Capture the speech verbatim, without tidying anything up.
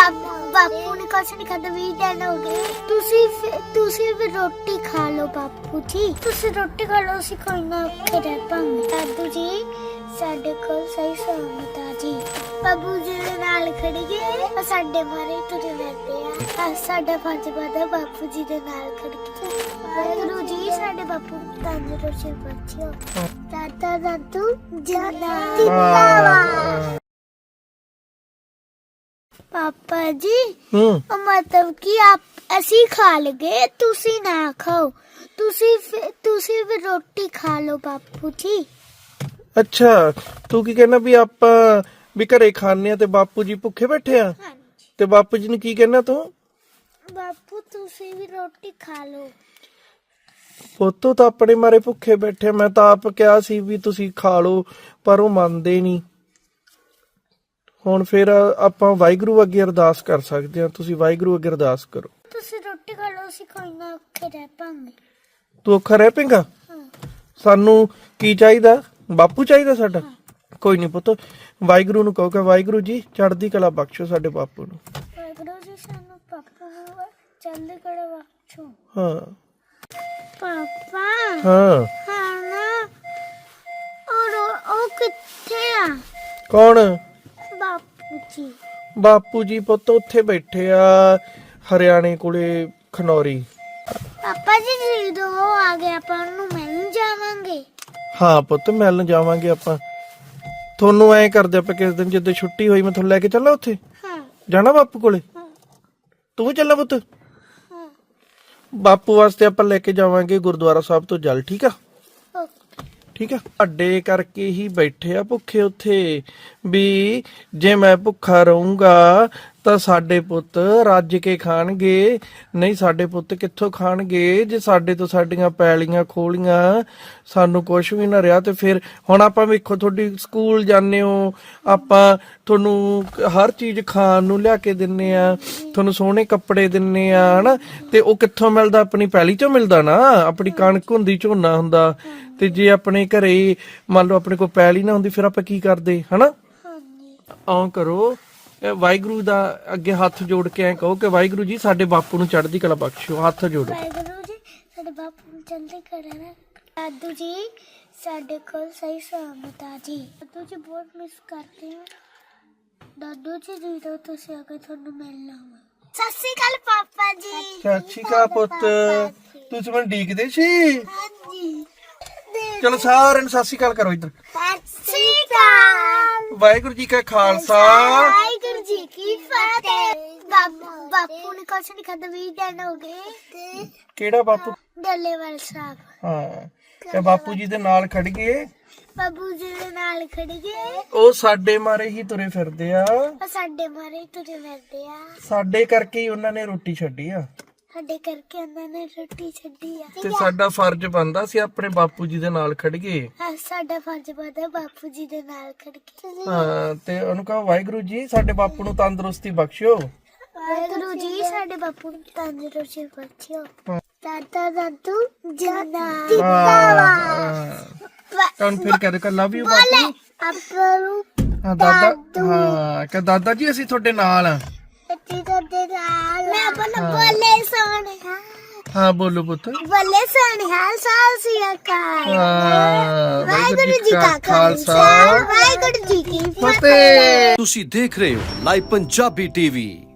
ਬਾਪੂ ਨੇ ਕੁਛ ਨਹੀਂ ਖਾਦਾ, ਵੀਹ ਦਿਨ ਹੋ ਗਏ। ਤੁਸੀਂ ਫਿਰ- ਤੁਸੀਂ ਵੀ ਰੋਟੀ ਖਾ ਲਓ ਬਾਪੂ ਜੀ, ਤੁਸੀਂ ਰੋਟੀ ਖਾ ਲਓ, ਅਸੀਂ ਕੋਈ ਨਾ ਔਖੇ ਰਹਿ ਪਾਂਗੇ। ਦਾਦੂ ਜੀ ਸਾਡੇ ਕੋਲ ਸਹੀ ਸਲਾਮਤ ਆ ਜੀ, ਬਾਬੂ ਜੀ ਦੇ ਨਾਲ ਖੜੀਏ, ਉਹ ਸਾਡੇ ਮਾਰੇ ਤੁਰੇ ਫਿਰਦੇ ਆ, ਸਾਡਾ ਫਰਜ਼ ਬਣਦਾ ਬਾਪੂ ਜੀ ਦੇ ਨਾਲ ਖੜ ਕੇ। ਵਾਹਿਗੁਰੂ ਜੀ ਸਾਡੇ ਬਾਪੂ ਨੂੰ ਤੰਦਰੁਸਤੀ ਬਖਸ਼ਿਓ। ਦਾਦਾ ਦਾਦੂ ਜਿੰਦਾਬਾਦ। पापा जी मतलब कि आप ਅਸੀਂ ਖਾ ਲਗੇ, ਤੁਸੀਂ ਨਾ ਖਾਓ, ਤੁਸੀਂ ਤੁਸੀਂ ਵੀ ਰੋਟੀ ਖਾ ਲਓ ਬਾਪੂ ਜੀ। ਅੱਛਾ ਤੂੰ ਕੀ ਕਹਿਣਾ ਵੀ ਆਪਾਂ ਵੀ ਘਰੇ ਖਾਣੇ ਆ ਤੇ ਬਾਪੂ ਜੀ ਭੁੱਖੇ ਬੈਠੇ ਆ? ਹਾਂਜੀ। ਤੇ ਬਾਪੂ ਜੀ ਨੂੰ ਕੀ ਕਹਿਣਾ ਤੂੰ? ਬਾਪੂ ਤੁਸੀਂ ਵੀ ਰੋਟੀ ਖਾ ਲਓ। ਪੁੱਤੋ ਤਾਂ ਆਪਣੇ ਮਾਰੇ ਭੁੱਖੇ ਬੈਠੇ, ਮੈਂ ਤਾਂ ਆਪ ਕਿਹਾ ਸੀ ਵੀ ਤੁਸੀਂ ਖਾ ਲਓ ਪਰ ਉਹ ਮੰਨਦੇ ਨਹੀਂ। ਹੁਣ ਫਿਰ ਆਪਾਂ ਵਾਹਿਗੁਰੂ ਅੱਗੇ ਅਰਦਾਸ ਕਰ ਸਕਦੇ ਹਾਂ, ਤੁਸੀਂ ਵਾਹਿਗੁਰੂ ਅੱਗੇ ਅਰਦਾਸ ਕਰੋ। ਤੁਸੀਂ ਰੋਟੀ ਖਾ ਲਓ, ਅਸੀਂ ਕੋਈ ਨਾ ਔਖੇ ਰਹਿ ਪਾਂਗੇ। ਤੂੰ ਔਖਾ ਰਹਿ ਪਏਗਾ? ਸਾਨੂੰ ਕੀ ਚਾਹੀਦਾ? ਬਾਪੂ ਚਾਹੀਦਾ ਸਾਡਾ? ਕੋਈ ਨਹੀਂ ਪੁੱਤ, ਵਾਹਿਗੁਰੂ ਨੂੰ ਕਹੋ ਕਿ ਵਾਹਿਗੁਰੂ ਜੀ ਚੜ੍ਹਦੀ ਕਲਾ ਬਖਸ਼ੋ ਸਾਡੇ ਬਾਪੂ ਨੂੰ। ਵਾਹਿਗੁਰੂ ਜੀ ਸਾਨੂੰ ਪਾਪਾ ਨੂੰ ਚੜ੍ਹਦੀ ਕਲਾ ਬਖਸ਼ੋ। ਹਾਂ ਪਾਪਾ ਹਾਂ ਹਾਂ ਨਾ ਔਰ ਉਹ ਕਿੱਥੇ ਆ? ਕੌਣ? ਬਾਪੂ ਜੀ। ਬਾਪੂ ਜੀ ਪੁੱਤ ਉੱਥੇ ਬੈਠੇ ਆ ਹਰਿਆਣੇ ਕੋਲੇ ਖਨੌਰੀ। ਪਾਪਾ ਜੀ ਜਦੋਂ ਉਹ ਆ ਗਏ ਆਪਾਂ ਉਹਨੂੰ ਮਿਲਣ ਜਾਵਾਂਗੇ। ਹਾਂ ਪੁੱਤ ਮਿਲਣ ਜਾਵਾਂਗੇ ਆਪਾਂ। ਤੁਹਾਨੂੰ ਐਂ ਕਰਦੇ ਆਪਾਂ ਕਿਸ ਦਿਨ ਜਦੋਂ ਛੁੱਟੀ ਹੋਈ ਮੈਂ ਤੁਹਾਨੂੰ ਲੈ ਕੇ ਚੱਲਾਂ ਉੱਥੇ। ਹਾਂ ਜਾਣਾ ਬਾਪੂ ਕੋਲੇ? ਤੂੰ ਵੀ ਚੱਲਾਂ ਪੁੱਤ? ਹਾਂ ਬਾਪੂ ਵਾਸਤੇ ਆਪਾਂ ਲੈ ਕੇ ਜਾਵਾਂਗੇ ਗੁਰਦੁਆਰਾ ਸਾਹਿਬ ਤੋਂ ਜਲ, ਠੀਕ ਆ? ਠੀਕ ਆ। ਅੱਡੇ ਕਰਕੇ ਹੀ ਬੈਠੇ ਆ ਭੁੱਖੇ ਉੱਥੇ ਵੀ ਜੇ ਮੈਂ ਭੁੱਖਾ ਰਹੂੰਗਾ ਤਾਂ ਸਾਡੇ ਪੁੱਤ ਰੱਜ ਕੇ ਖਾਣਗੇ, ਨਹੀਂ ਸਾਡੇ ਪੁੱਤ ਕਿੱਥੋਂ ਖਾਣਗੇ ਜੇ ਸਾਡੇ ਤੋਂ ਸਾਡੀਆਂ ਪੈਲੀਆਂ ਖੋਲੀਆਂ ਸਾਨੂੰ ਕੁਝ ਵੀ ਨਾ ਰਿਹਾ। ਤੇ ਫਿਰ ਹੁਣ ਆਪਾਂ ਵੇਖੋ ਤੁਹਾਡੀ ਸਕੂਲ ਜਾਂਦੇ ਹੋ, ਆਪਾਂ ਤੁਹਾਨੂੰ ਹਰ ਚੀਜ਼ ਖਾਣ ਨੂੰ ਲਿਆ ਕੇ ਦਿੰਨੇ ਆ, ਤੁਹਾਨੂੰ ਸੋਹਣੇ ਕੱਪੜੇ ਦਿੰਨੇ ਆ ਹਨਾ, ਤੇ ਉਹ ਕਿੱਥੋਂ ਮਿਲਦਾ? ਆਪਣੀ ਪੈਲੀ ਚੋਂ ਮਿਲਦਾ ਨਾ, ਆਪਣੀ ਕਣਕ ਹੁੰਦੀ, ਝੋਨਾ ਹੁੰਦਾ। ਤੇ ਜੇ ਆਪਣੇ ਘਰੇ ਮੰਨ ਲਓ ਆਪਣੇ ਕੋਲ ਪੈਲੀ ਨਾ ਹੁੰਦੀ ਫਿਰ ਆਪਾਂ ਕੀ ਕਰਦੇ ਹਨਾ? ਆਉਂ ਕਰੋ, ਵਾਹਿਗੁਰੂ ਦਾ ਅੱਗੇ ਹੱਥ ਜੋੜ ਕੇ ਐਂ ਕਹੋ ਕਿ ਵਾਹਿਗੁਰੂ ਜੀ ਸਾਡੇ ਬਾਪੂ ਨੂੰ ਚੜ੍ਹਦੀ ਕਲਾ ਬਖਸ਼ਿਓ। ਹੱਥ ਜੋੜੋ। ਵਾਹਿਗੁਰੂ ਜੀ ਸਾਡੇ ਬਾਪੂ ਨੂੰ ਚੜ੍ਹਦੀ ਕਲਾ ਨਾ। ਦਾਦੂ ਜੀ ਸਾਡੇ ਕੋਲ ਸਹੀ ਸਲਾਮਤ ਆ ਜੀ। ਦਾਦੂ ਜੀ ਬਹੁਤ ਮਿਸ ਕਰਦੇ ਹਾਂ। ਦਾਦੂ ਜੀ ਜਦੋਂ ਤੁਸੀਂ ਆ ਕੇ ਤੁਹਾਨੂੰ ਮਿਲਣਾ ਵਾ। ਸਤਿ ਸ਼੍ਰੀ ਅਕਾਲ ਪਾਪਾ ਜੀ। ਸਤਿ ਸ਼੍ਰੀ ਅਕਾਲ ਪੁੱਤ, ਤੁਸੀਂ ਮੈਨੂੰ ਡੀਕਦੇ ਸੀ? ਹਾਂਜੀ। ਚਲੋ ਸਾਰਿਆਂ ਨੂੰ ਸਤਿ ਸ਼੍ਰੀ ਅਕਾਲ ਕਰੋ ਇੱਧਰ। ਸਤਿ ਸ਼੍ਰੀ ਅਕਾਲ। ਵਾਹਿਗੁਰੂ ਜੀ ਕਾ ਖਾਲਸਾ ਵਾਹਿਗੁਰੂ ਜੀ ਕੀ ਫਤਿਹ। ਬਾਪੂ ਬਾਪੂ ਨੇ ਕੁਛ ਨਹੀਂ ਖਾਦਾ, ਵੀਹ ਦਿਨ ਹੋ ਗਏ। ਕਿਹੜਾ ਬਾਪੂ? ਡੱਲੇਵਾਲ ਸਾਹਿਬ। ਹਾਂ ਤੇ ਬਾਪੂ ਜੀ ਦੇ ਨਾਲ ਖੜ ਗਏ, ਬਾਬੂ ਜੀ ਦੇ ਨਾਲ ਖੜ ਗਏ, ਉਹ ਸਾਡੇ ਮਾਰੇ ਹੀ ਤੁਰੇ ਫਿਰਦੇ ਆ, ਉਹ ਸਾਡੇ ਮਾਰੇ ਤੁਰੇ ਫਿਰਦੇ ਆ, ਸਾਡੇ ਕਰਕੇ ਹੀ ਉਹਨਾਂ ਨੇ ਰੋਟੀ ਛੱਡੀ ਆ, ਸਾਡੇ ਕਰਕੇ ਉਹਨਾਂ ਨੇ ਰੋਟੀ ਛੱਡੀ ਆ। ਤੇ ਸਾਡਾ ਫਰਜ਼ ਬਣਦਾ ਸੀ ਆਪਣੇ ਬਾਪੂ ਜੀ ਦੇ ਨਾਲ ਖੜ ਗਏ। ਹਾਂ ਸਾਡਾ ਫਰਜ਼ ਬਣਦਾ ਬਾਪੂ ਜੀ ਦੇ ਨਾਲ ਖੜ ਕੇ। ਹਾਂ ਤੇ ਉਹਨੂੰ ਕਹੋ ਵਾਹਿਗੁਰੂ ਜੀ ਸਾਡੇ ਬਾਪੂ ਨੂੰ ਤੰਦਰੁਸਤੀ ਬਖਸ਼ਿਓ। ਵਾਹਿਗੁਰੂ ਜੀ ਸਾਡੇ ਬਾਪੂ ਨੂੰ ਤੰਦਰੁਸਤੀ ਬਖਸ਼ਿਓ। ਦਾਦਾ ਦਾਦੂ ਜਿੰਦਾਬਾਦ। ਹੁਣ ਫਿਰ ਕਹਦੇ ਕਰ ਲਵ ਯੂ ਬਾਪੂ। ਆਪਾਂ ਨੂੰ ਹਾਂ ਦਾਦਾ, ਹਾਂ ਕਿ ਦਾਦਾ ਜੀ ਅਸੀਂ ਤੁਹਾਡੇ ਨਾਲ ਆ। ਦੇ ਨਾਲ ਮੈਂ ਆਪਣਾ ਬੋਲੇ ਸੋਹਣੇ ਹਾਂ ਬੋਲੋ ਪੁੱਤ। ਬੋਲੇ ਸੋਹਣੇ ਹਾਲ ਸਾਲ ਸੀ ਅਕਾਲ। ਹਾਂ ਵਾਹਿਗੁਰੂ ਜੀ ਕਾ ਖਾਲਸਾ ਵਾਹਿਗੁਰੂ ਜੀ ਕੀ ਫਤਿਹ। ਤੁਸੀਂ ਦੇਖ ਰਹੇ ਹੋ ਲਾਈਵ ਪੰਜਾਬੀ ਟੀਵੀ।